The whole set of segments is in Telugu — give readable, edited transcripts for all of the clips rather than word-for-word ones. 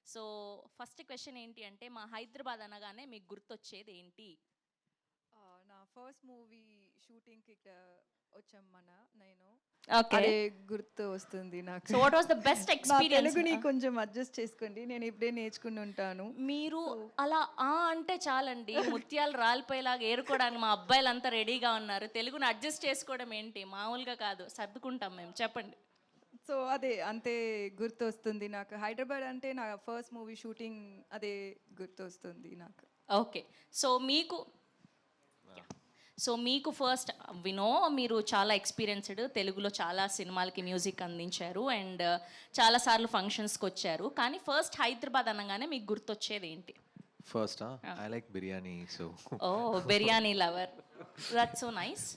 సో ఫస్ట్ క్వశ్చన్ ఏంటి అంటే మా హైదరాబాద్ అనగానే మీకు గుర్తొచ్చేది ఏంటి? నా ఫస్ట్ మూవీ షూటింగ్‌కి వచ్చాం నేను. ఓకే. అదే గుర్తు వస్తుంది నాకు. So what was the best నా ఎక్స్‌పీరియన్స్? తెలుగుని కొంచెం అడ్జస్ట్ చేసుకోండి. నేను ఇప్పుడే నేర్చుకుని ఉంటాను. మీరు సో, అలా అంటే చాలండి. ముత్యాలు రాలిపోయేలాగా ఏరుకోవడానికి మా అబ్బాయిలంతా రెడీగా ఉన్నారు. తెలుగుని అడ్జస్ట్ చేసుకోవడం ఏంటి? మామూలుగా కాదు. సర్దుకుంటాం మేము. చెప్పండి. అదే అంతే గుర్తొస్తుంది నాకు. హైదరాబాద్ అంటే నా ఫస్ట్ మూవీ షూటింగ్ అదే గుర్తొస్తుంది నాకు. ఓకే. సో మీకు మీకు ఫస్ట్ వినో మీరు చాలా ఎక్స్పీరియన్స్డ్, తెలుగులో చాలా సినిమాలకి మ్యూజిక్ అందించారు అండ్ చాలా సార్లు ఫంక్షన్స్కి వచ్చారు. కానీ ఫస్ట్ హైదరాబాద్ అనగానే మీకు గుర్తొచ్చేది ఏంటి? First, I like biryani, so oh, biryani lover. That's so nice.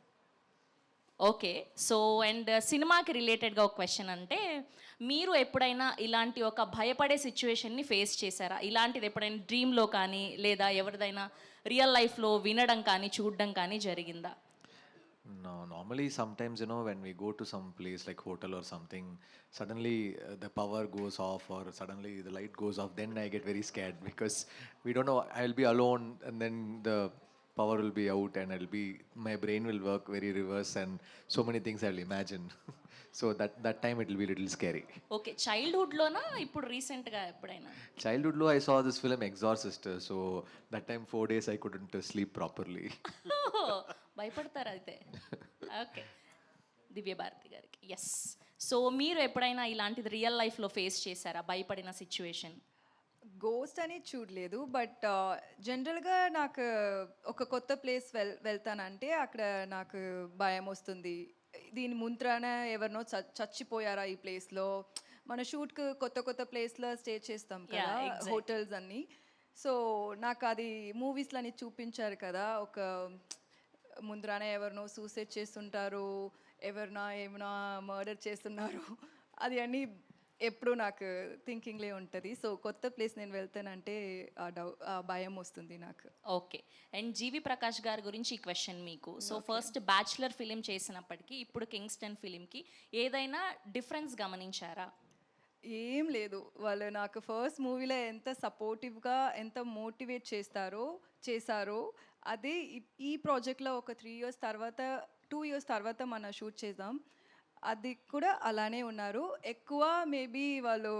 Okay. So and సినిమాకి రిలేటెడ్గా ఒక క్వశ్చన్ అంటే మీరు ఎప్పుడైనా ఇలాంటి ఒక భయపడే సిచ్యువేషన్ని ఫేస్ చేశారా? ఇలాంటిది ఎప్పుడైనా డ్రీమ్లో కానీ లేదా ఎవరిదైనా రియల్ లైఫ్లో వినడం కానీ చూడడం కానీ జరిగిందా? no. Normally, sometimes when we go to some place like hotel or something, suddenly the power goes off or suddenly the light goes off. Then I get very scared because we don't know. I'll be alone, and then the power will be out, and my brain will work very reverse, and so many things I'll imagine. So that time it will be a little scary. Okay. చైల్డ్హుడ్లోనా ఇప్పుడు రీసెంట్గా ఎప్పుడైనా? Childhood low, I saw this film Exorcist. So that time 4 days I couldn't sleep properly. భయపడతారు అయితే. ఓకే. దివ్య భారతి గారికి ఎస్. సో మీరు ఎప్పుడైనా ఇలాంటిది రియల్ లైఫ్లో ఫేస్ చేశారా భయపడిన సిచ్యువేషన్? గోస్ట్ అని చూడలేదు. బట్ జనరల్‌గా నాకు ఒక కొత్త ప్లేస్ వెళ్తానంటే అక్కడ నాకు భయమొస్తుంది. దీని ముంత్రాన ఎవరినో చచ్చిపోయారా ఈ ప్లేస్‌లో? మన షూట్‌కి కొత్త కొత్త ప్లేస్‌లో స్టే చేస్తాం కదా! Yeah, exactly. హోటల్స్ అన్నీ. సో, నాకది మూవీస్‌లోని చూపించారు కదా! ఒక ముందరానే ఎవరినో సూసైడ్ చేస్తుంటారు. ఏమైనా మర్డర్ చేస్తున్నారు. అది అన్నీ ఎప్పుడూ నాకు థింకింగ్‌లే ఉంటది. సో, కొత్త ప్లేస్ నేను వెళ్తానంటే ఆ భయం వస్తుంది నాకు. ఓకే. అండ్ జీవి ప్రకాష్ గారి గురించి ఈ క్వశ్చన్ మీకు. సో ఫస్ట్ బ్యాచులర్ ఫిలిం చేసినప్పటికీ ఇప్పుడు కింగ్స్టన్ ఫిలింకి ఏదైనా డిఫరెన్స్ గమనించారా? ఏం లేదు. వాళ్ళు నాకు ఫస్ట్ మూవీలో ఎంత సపోర్టివ్‌గా, ఎంత మోటివేట్ చేశారో అదే ఈ ప్రాజెక్ట్‌లో ఒక 3 ఇయర్స్ తర్వాత 2 ఇయర్స్ తర్వాత మనం షూట్ చేద్దాం. అది కూడా అలానే ఉన్నారు. ఎక్కువ మేబీ వాళ్ళు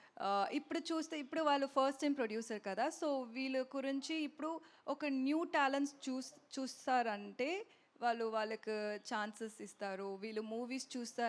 ఇప్పుడు వాళ్ళు ఫస్ట్ టైమ్ ప్రొడ్యూసర్ కదా! సో, వీళ్ళ గురించి ఇప్పుడు ఒక న్యూ టాలెంట్స్ చూస్తారంటే వాళ్ళకి ఛాన్సెస్ ఇస్తారు. వీళ్ళు మూవీస్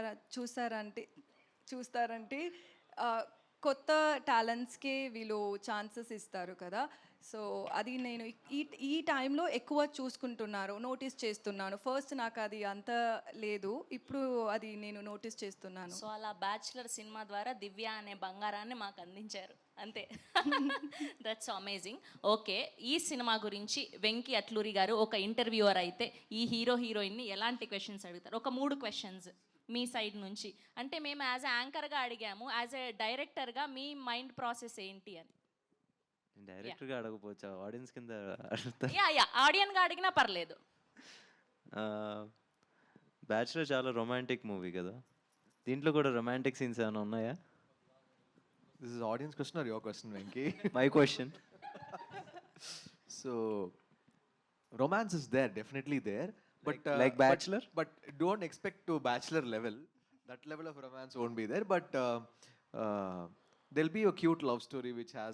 చూస్తారంటే కొత్త టాలెంట్స్‌కే వీళ్ళు ఛాన్సెస్ ఇస్తారు కదా! సో, అది నేను ఈ టైంలో ఎక్కువ చూసుకుంటున్నారు, నోటీస్ చేస్తున్నాను. ఫస్ట్ నాకు అది అంత లేదు. ఇప్పుడు అది నేను నోటీస్ చేస్తున్నాను. సో అలా బ్యాచులర్ సినిమా ద్వారా దివ్య అనే బంగారాన్ని మాకు అందించారు అంతే. That's amazing. ఓకే. ఈ సినిమా గురించి వెంకీ అట్లూరి గారు ఒక ఇంటర్వ్యూవర్ అయితే ఈ హీరో హీరోయిన్ని ఎలాంటి క్వశ్చన్స్ అడుగుతారు? ఒక 3 క్వశ్చన్స్ మీ సైడ్ నుంచి. అంటే మేము యాజ్ ఎ యాంకర్గా అడిగాము, యాజ్ ఎ డైరెక్టర్గా మీ మైండ్ ప్రాసెస్ ఏంటి అని. డైరెక్ట్గా అడగపోవచ్చా ఆడియన్స్ కింద అడుగుతా. యా ఆడియన్గా అడిగినా పర్లేదు. బ్యాచులర్ చాలా రొమాంటిక్ మూవీ కదా, దీంట్లో కూడా రొమాంటిక్ సీన్స్ ఏమైనా ఉన్నాయా? This is audience question or your question, Venki? My question. So, romance is there, definitely there. But Like Bachelor? but don't expect to Bachelor level. That level of romance won't be there. But there'll be a cute love story which has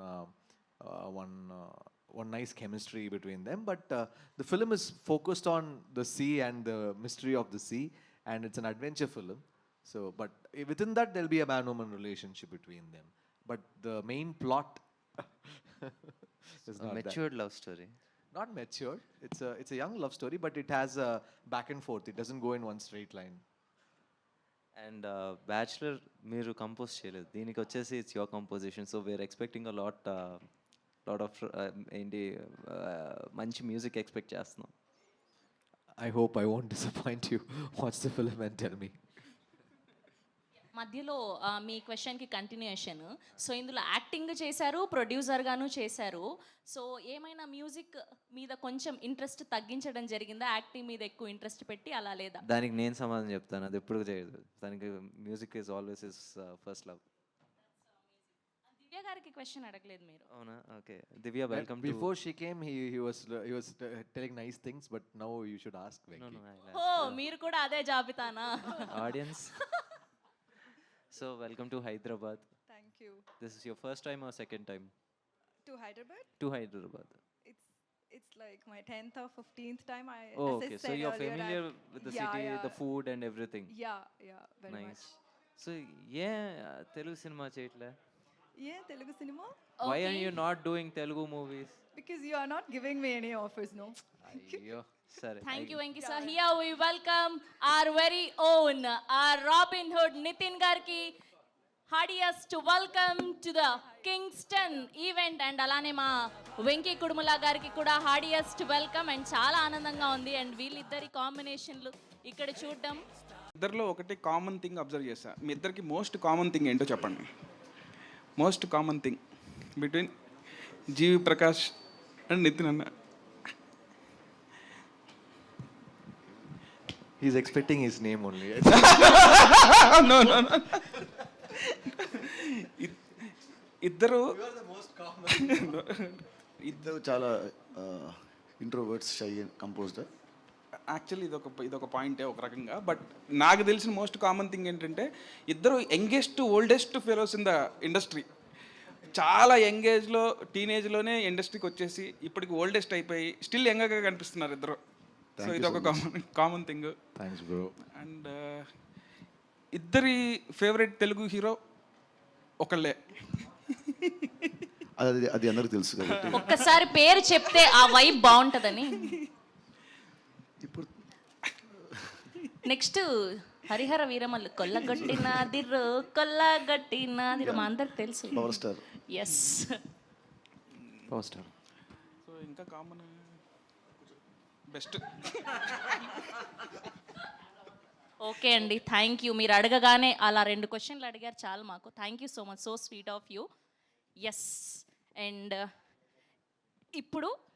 one nice chemistry between them. But the film is focused on the sea and the mystery of the sea, and it's an adventure film. So, but within that there'll be a man-woman relationship between them. But the main plot is not that. Matured love story. Not mature. It's a young love story, but it has a back and forth. It doesn't go in one straight line. And bachelor మీరు కంపోజ్ చేయలేదు, దీనికి వచ్చేసి it's your composition. So we are expecting a lot of ఏంటి మంచి మ్యూజిక్ ఎక్స్పెక్ట్ చేస్తున్నాం. I hope I won't disappoint you. Watch the film and tell me. మధ్యలో మీ క్వశ్చన్కి కంటిన్యూషన్. సో ఇందులో యాక్టింగ్ చేశారు, ప్రొడ్యూసర్గాను చేశారు. సో ఏమైనా మ్యూజిక్ మీద కొంచెం ఇంట్రెస్ట్ తగ్గించడం జరిగిందా? యాక్టింగ్ మీద ఎక్కువ ఇంట్రెస్ట్ పెట్టి అలా లేదా? దానికి నేను సమాధానం చెప్తాను, అది ఎప్పుడు చేయదు. దానికి music is always is first love. Divya గారికి క్వశ్చన్ అడగలేదు మీరు. అవునా? Okay. Divya, But welcome to. before she came, he was telling nice things, but now you should ask No, Venki. no, oh మీరు కూడా అదే జాబితానా? audience. So welcome to Hyderabad. Thank you. This is your first time or second time to Hyderabad. to Hyderabad? It's like my 10th or 15th time. Oh, as I okay. So said you're earlier, familiar I've- with the Yeah, city, yeah. the food and everything. Yeah, very Nice. much. So Telugu cinema చేయట్లే? Telugu cinema? Why are you not doing Telugu movies? Because you are not giving me any offers, no? అయ్యో సరే. Thank you, Venki sir. Here we welcome our very own, our Robin Hood Nitin Garki. Heartiest to welcome to the Kingston event, and అలానే మా వెంకీ కుడుముల గారికి కూడా హార్డియస్ట్ వెల్కమ్. అండ్ చాలా ఆనందంగా ఉంది అండ్ వీళ్ళిద్దరి కాంబినేషన్లు ఇక్కడ చూడడం. ఇద్దరిలో ఒకటి కామన్ థింగ్ అబ్జర్వ్ చేశా. మీ ఇద్దరికి మోస్ట్ కామన్ థింగ్ ఏంటో చెప్పండి. Most common thing between GV Prakash and Nithin అన్న. He's expecting his name only. No. ఇద్దరు ఇద్దరు చాలా ఇంట్రోవర్ట్స్, షై కంపోజ్డ్. యాక్చువల్లీ ఇదొక పాయింటే ఒక రకంగా. బట్ నాకు తెలిసిన మోస్ట్ కామన్ థింగ్ ఏంటంటే ఇద్దరు youngest oldest fellows in the industry. చాలా యంగేజ్లో టీనేజ్లోనే ఇండస్ట్రీకి వచ్చేసి ఇప్పటికి ఓల్డెస్ట్ అయిపోయి స్టిల్ యంగర్గా కనిపిస్తున్నారు ఇద్దరు. సో ఇదొక common thing. Thanks, bro. And ఇద్దరి ఫేవరెట్ తెలుగు హీరో ఒకళ్ళే. అది అందరికి తెలుసు కాబట్టి ఒక్కసారి పేరు చెప్తే ఆ వైబ్ బాగుంటుందని. ఇప్పుడు నెక్స్ట్ హరిహర వీరమల్లు కొల్లగొట్టినాదిరు మా అందరికి తెలుసు. Power star. Yes. First time. So ఇంకా కామన్ బెస్ట్. ఓకే అండి, థ్యాంక్ యూ. మీరు అడగగానే అలా 2 క్వశ్చన్లు అడిగారు చాలు మాకు. Thank you so much, so sweet of you. Yes. And ఇప్పుడు